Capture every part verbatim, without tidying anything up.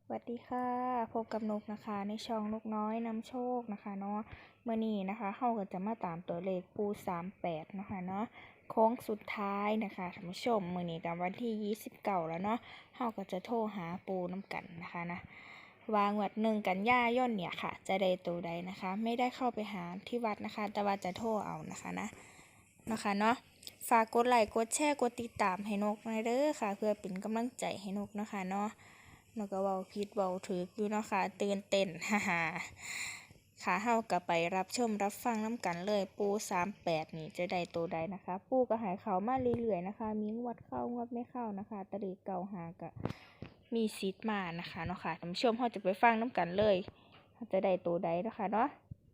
สวัสดีค่ะพบกับนกนะคะในช่องนกน้อยนำโชคนะคะเนาะเมื่อนี้นะคะเฮาก็จะมาตามตัวเลขปูสามแปดนะคะเนาะโค้งสุดท้ายนะคะท่านผู้ชมมื่อนี้กับวันที่ยี่สิบเก้าแล้วเนาะเฮาก็จะโทรหาปูน้ำกันนะคะนะวางวัดหนึ่งกันยายนเนี่ยค่ะจะได้ตัวใดนะคะ ไม่ได้เข้าไปหาที่วัดนะคะ แต่ว่าจะโทรเอานะคะนะนะคะเนาะฝากกดไลค์กดแชร์กดติดตามให้นกหน่อยเด้อค่ะ เพื่อเป็นกำลังใจให้นกนะคะเนาะนกก็เว้าผิดเว้าถูกอยู่เนาะค่ะตื่นเต้นฮ่าฮ่าค่ะเฮาก็ไปรับชมรับฟังน้ำกันเลยปูสามแปดนี่จะได้ตัวใดนะคะ ปูก็หายเขามาเรื่อยๆนะคะ มีงวดเข้างวดไม่เข้านะคะตะลีเก่าหาก็มีซีดมานะคะเนาะค่ะท่านผู้ชมเฮาจะไปฟังน้ำกันเลยจะได้ตัวใดนะคะเนาะ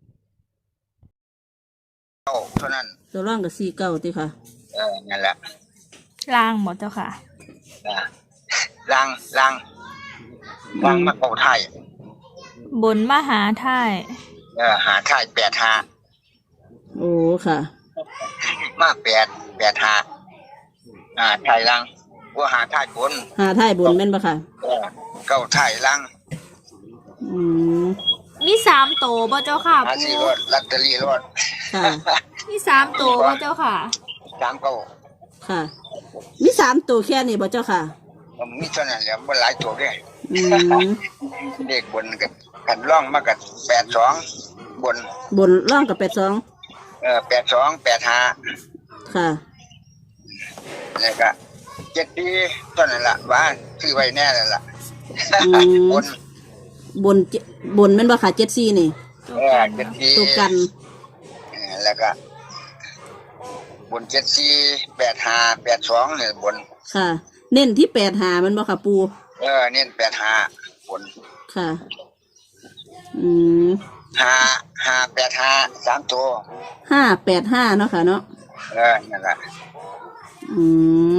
เก้าเท่านั้นตัวร่างกับสี่เก้าติค่ะเออนั่นแหละล่างหมดเจ้าค่ะนะล่างล่างล่างมาเก้าไทยบนมหาท่ายเออหาไทยแปดหาโอ้ค่ะมาแปดแปดหาอ่าไทยล่างว่าหาไทยบนหาท้ายบนแม่นปะค่ะเออเก้าไทยล่างอืมมีสามโตบ่เจ้าค่ะหาปูสี่รถลัตเตอรี่รถค่ะมีสามโตบ่เจ้าค่ะสามเก้าค่ะ มีสามตัวแค่นี้บ่เจ้าค่ะผมมีเท่านั้นแหละมันหลายตัวด้วยอืมเด็กบนกันกันร่องมากันแปดสองบนบนร่างกับแปดสองเออแปดสองแปดหาค่ะแล้วก็เจ็ดปีเท่านั้นแหละว่าซื้อไว้แน่แล้วล่ะอืมบนบนเจบนแม่นปะค่ะเจ็ดสี่นี่เออเจ็ดปีตัวกันเออแล้วก็บนเจ็ดสี่แปดห้าแปดสองเนี่ยบนค่ะ เน้นที่แปดหามันบ่ค่ะปูเออเน้นแปดห้าบนค่ะ อืมห้าห้าแปดห้าสามตัวห้าแปดห้าเนาะค่ะเนาะเออนั่นแหละอืม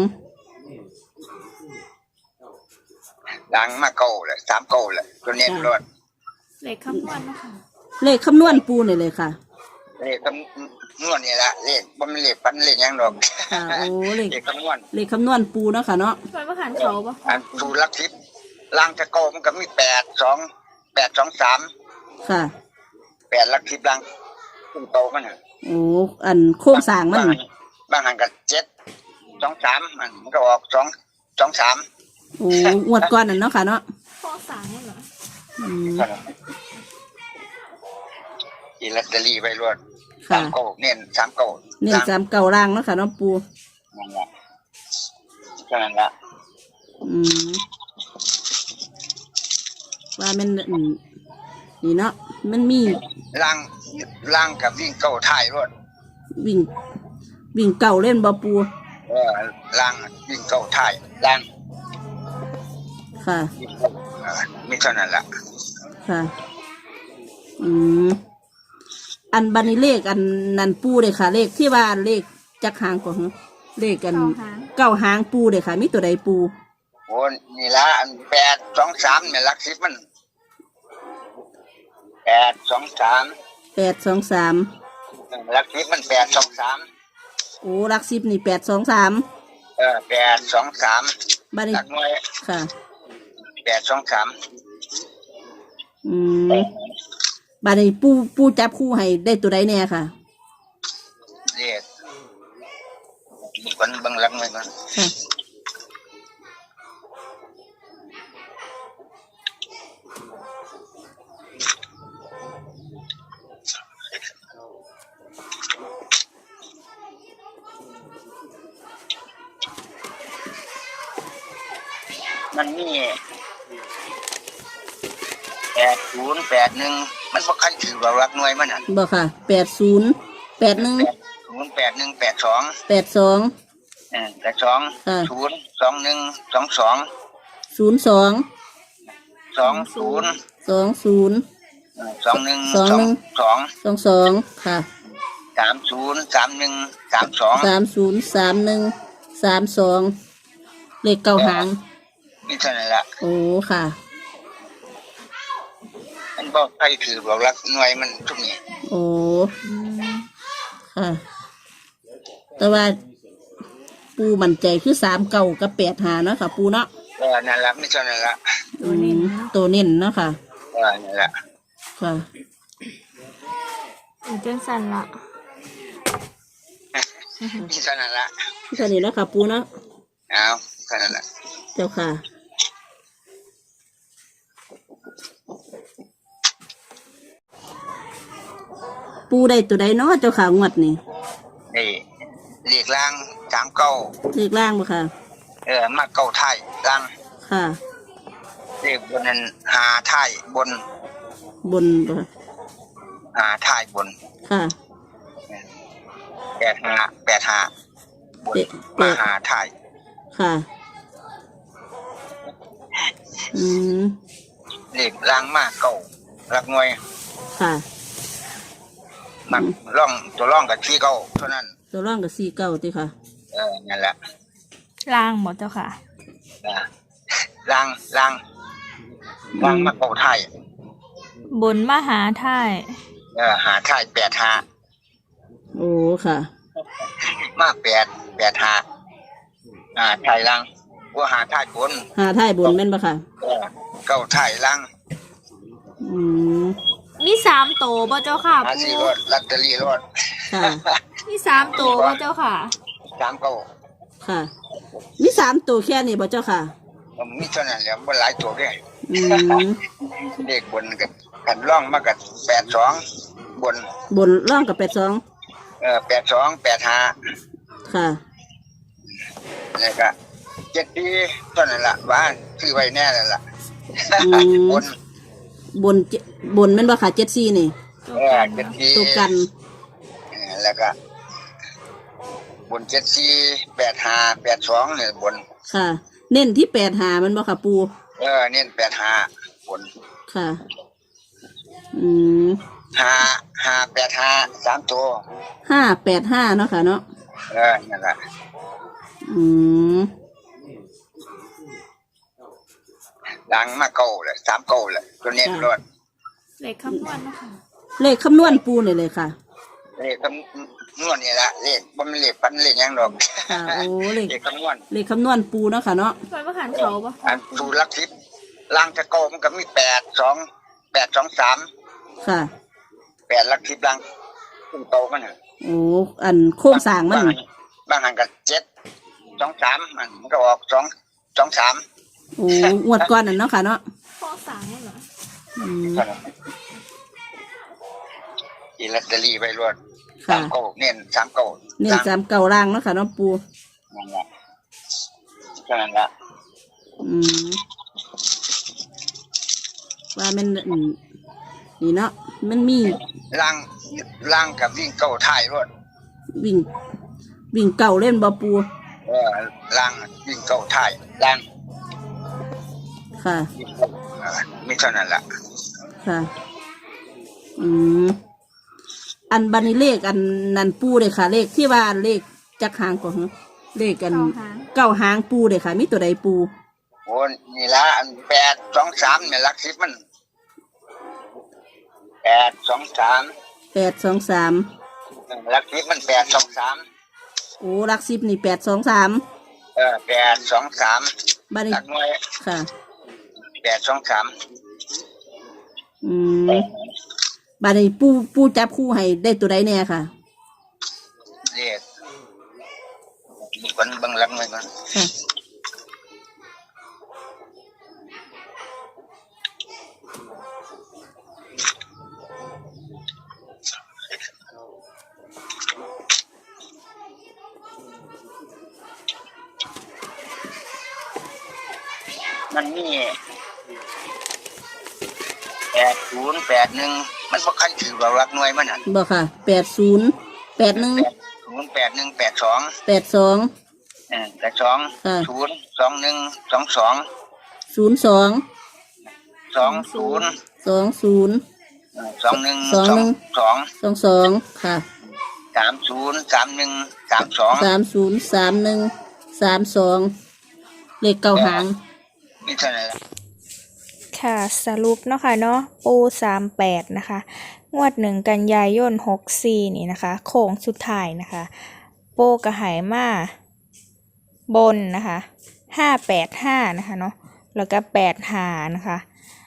ดังมาเก้าเลยสามเก้าเลยตัวเน้นรถเลขคำนวณนะคะเลขคำนวณปูนี่เลยค่ะเลขคำนวณนี่แหละเลขบ่มีเลขพันเลขหยังดอกค่ะ โอ้เลขเลขคำนวณเลขคำนวณปูเนาะค่ะเนาะช่วยประหารเขาปะอันสูตรลักทิพย์ล่างตะโกมันก็มีแปดสองแปดสองสามค่ะแปดลักทิพย์ล่างขึ้นโตมันน่ะโอ้ อันโค้งสร้างมันบางบางหันก็เจ็ดสองสามมันมันก็ออกสองสองสามโอ้งวดก่อนนั่นเนาะค่ะเนาะข้อสามเหรออืมอีลอตเตอรี่ไปรวดค่ะสามเก้าเน้นสามเก้าเน้นสามเก่าล่างเนาะค่ะเนาะปูนั่นแหละแค่นั้นละอืมว่ามันอืมนี่เนาะมันมีล่างล่างกับวิ่งเก้าท้ายรวดวิ่ง วิ่งเก่าเล่นบ่ปูเออล่างวิ่งเก้าท้ายล่างค่ะเออมีเท่านั้นละค่ะ อืมอันบันนี้เลขอันนันปูเลยค่ะ เลขที่ว่าเลขจักหางกว่าหึเลขกันเก้าหางปูเลยค่ะ มีตัวใดปูโอ้นี่ละอันแปดสองสามเนี่ยหลักสิบมันแปดสองสามแปดสองสามหลักสิบมันแปดสองสามโอ้ลักสิบนี่แปดสองสามเออแปดสองสามบันนี้หลักหน่วยค่ะแปดสองสามอืมบัดนี้ปูปูจับคู่ให้ได้ตัวใดแน่ค่ะเรียกมีคนเบังหลังไว้ก่อนค่ะมันมีแปดศูนย์แปดหนึ่งมันบ่คันถือว่ารักหน่วยมันอ่ะบอกค่ะแปดศูนย์แปดหนึ่งแปดศูนย์แปดหนึ่งแปดสองแปดสองเออแปดสองค่ะศูนย์สองหนึ่งสองสองศูนย์สองสองศูนย์สองศูนย์สองหนึ่งสองหนึ่งสองสองสองค่ะสามศูนย์สามหนึ่งสามสองสามศูนย์สามหนึ่งสามสองเลขเก้าหางนี่เท่านั้นละโอ้ค่ะมันบอกใครถือบอกรักหน่วยมันทุกนี้โอ้ค่ะ แต่ว่าปูมั่นใจคือสามเก้ากับแปดหาเนาะค่ะ ปูเนาะเออนั่นละไม่เท่านั้นละอืมตัวเน้นเนาะค่ะเออนี่แหละค่ะอยู่จังสันละมีเท่านั้นละเท่านี้แล้วค่ะปูเนาะเอาเท่านั้นละเจ้าค่ะ ปูได้ตัวใดเนาะเจ้าค่ะงวดนี่นี่เรียกล่างสามเก้าเลขล่างบ่ค่ะเออมาเก้าไทยล่างค่ะเรียกบนนั้นหาไทยบนบนบ่ค่ะหาไทยบนค่ะแปดหาแปดหาบนเจ็ดมาหาไทยค่ะ อืมเรียกล่างมาเก้ารักหน่วยค่ะมันร่องตัวร่องกับที่เก้าเท่านั้นตัวร่องกับสี่เก้าติค่ะเออนั่นแหละล่างหมดเจ้าค่ะนะล่างล่างล่างมาเก้าไทยบนมหาไทยเออหาไทยแปดหาโอ้ค่ะมาแปดแปดหาอ่าไทยล่างว่าหาไทยบนหาท้ายบนแม่นบ่ค่ะเออเก้าไทยล่างอืมมีสามโตบ่เจ้าค่ะหาปูสี่รถลัตเตอรี่รถค่ะมีสามโตบ่เจ้าค่ะสามเก้าค่ะ มีสามตัวแค่นี้บ่เจ้าค่ะผมมีเท่านั้นแหละมันหลายตัวแค่อืมเด็กบนกับกันร่องมากับแปดสองบนบนร่องกับแปดสองเออแปดสองแปดห้าค่ะนี่ก็เจ็ดปีเท่านั้นละบ้านซื้อไว้แน่เลยล่ะอืมบนบนเจบนแม่นบ่ค่ะเจ็ดสี่นี่ตัวเออกันเจ็ดปีตัวกันเออแล้วก็บนเจ็ดสี่แปดห้าแปดสองเนี่ยบนค่ะ เน้นที่แปดหามันบ่ค่ะปูเออเน้นแปดห้าบนค่ะ อืมห้าห้าแปดห้าสามตัวห้าแปดห้าเนาะค่ะเนาะเออนั่นแหละอืมดังมาเก้าเลยสามเก้าเลยตัวเน้นรถเลขคำนวณนะคะเลขคำนวณปูนี่เลยค่ะเลขคำนวณนี่ละเลขบ่มันเลขปันเลขหยังดอกค่ะ โอ้เลขเลขคำนวณเลขคำนวณปูเนาะค่ะเนาะคอยประหันเขาปะอันสูตรลักทิพย์ล่างจะโกมันก็มีแปดสองแปดสองสามค่ะแปดลักทิพย์ล่างขึ้นโตมันน่ะโอ้ อันโค้งสร้างมันบางบางหันกับเจ็ดสองสามมันมันก็ออกสองสองสามโอ้งวดก่อนนั่นเนาะค่ะเนาะข้อสามเหรออืมอีลอตเตอรี่ไปรวดค่ะสามเก้าเน้นสามเก้าเน้นสามเก่าล่างเนาะค่ะเนาะปูนั่นแหละแค่นั้นละอืม ว่ามันอืมนี่เนาะ มันมีล่างล่างกับวิ่งเก้าท้ายรวดวิ่ง วิ่งเก่าเล่นบ่ปูเออล่างวิ่งเก้าท้ายล่างค่ะวิ่งเก้าเออมีเท่านั้นละค่ะ อืม อันบันนี้เลขอันนันปูเลยค่ะ เลขที่ว่าเลขจักหางก่อนเลขกันเข้าหางเก้าหางปูเลยค่ะ มีตัวใดปูโอ้นี่ละอันแปดสองสามเนี่ยลักทิพย์มันแปดสองสามแปดสองสามลักทิพย์มันแปดสองสามโอ้ลักสิบนี่แปดสองสามเออแปดสองสามบันนี้ลักหน่วยค่ะแปดสองสามอืมบันนี้ปูปูจับคู่ให้ได้ตัวใดแน่ค่ะเรียกมีคนเบังลักหน่วยก่อนค่ะมันมีแปดศูนย์แปดหนึ่งมันบ่คันถือว่าลักหน่วยมันอ่ะบอกค่ะ แปดศูนย์ แปดหนึ่งแปดศูนย์แปดหนึ่งแปดสองแปดสองเออแปดสองค่ะศูนย์สองหนึ่งสองสองศูนย์สองสองศูนย์สองศูนย์สองหนึ่งสองหนึ่งสองสองสองค่ะสามศูนย์สามหนึ่งสามสองสามศูนย์สามหนึ่งสามสองเลขเก้าหางนี่เท่านั้นแหละค่ะสรุปเนาะค่ะเนาะปูสามแปดนะคะ งวดหนึ่งกันยายนหกสี่นี่นะคะโค้งสุดท้ายนะคะ โปกระหายมาบนนะคะห้าแปดห้านะคะเนาะแล้วก็แปดหานะคะ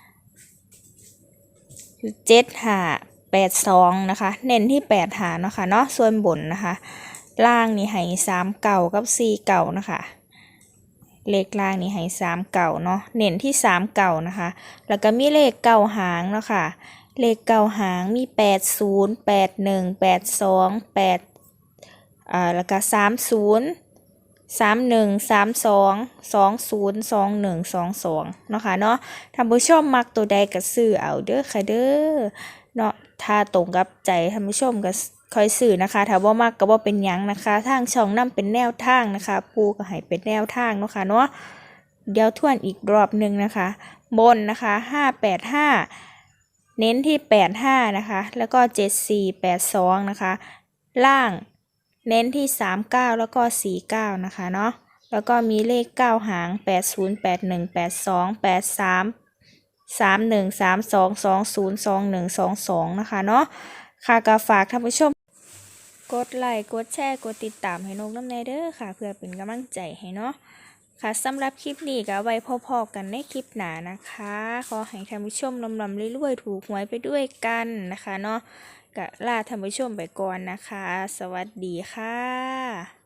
เจ็ดหาแปดสองนะคะ เน้นที่แปดหาเนาะค่ะเนาะส่วนบนนะคะ ล่างนี่ให้สามเก่ากับสี่เก่านะคะ เลขล่างนี่ให้สามเก่าเนาะเน้นที่สามเก่านะคะ แล้วก็มีเลขเก่าหางเนาะค่ะ เลขเก่าหางมีแปดศูนย์แปดหนึ่งแปดสองแปดอ่าแล้วก็สามศูนย์สามหนึ่งสามสองสองศูนย์สองหนึ่งสองสองเนาะค่ะเนาะท่านผู้ชมมักตัวใดก็ซื้อเอาเด้อค่ะเด้อเนาะถ้าตรงกับใจท่านผู้ชมก็คอยซื้อนะคะถ้าบ่มักก็บ่เป็นหยังนะคะทางช่องนำเป็นแนวทางนะคะปูก็ให้เป็นแนวทางเนาะค่ะเนาะเดี๋ยวทวนอีกรอบหนึ่งนะคะบนนะคะห้าแปดห้าเน้นที่แปดห้านะคะแล้วก็เจ็ดสี่แปดสองนะคะล่างเน้นที่สามเก้าแล้วก็สี่เก้านะคะเนาะแล้วก็มีเลขเก้าหางแปดศูนย์แปดหนึ่งแปดสองแปดสามสามหนึ่งสามสองสองศูนย์สองหนึ่งสองสองนะคะเนาะค่ะก็ฝากท่านผู้ชมกดไลค์กดแชร์กดติดตามให้นกน้ำแน่เด้อค่ะเพื่อเป็นกำลังใจให้เนาะค่ะสำหรับคลิปนี้ก็ไว้พอๆกันในคลิปหน้านะคะขอให้ท่านผู้ชมลำลำรวยๆถูกหวยไปด้วยกันนะคะเนาะก็ลาท่านผู้ชมไปก่อนนะคะสวัสดีค่ะ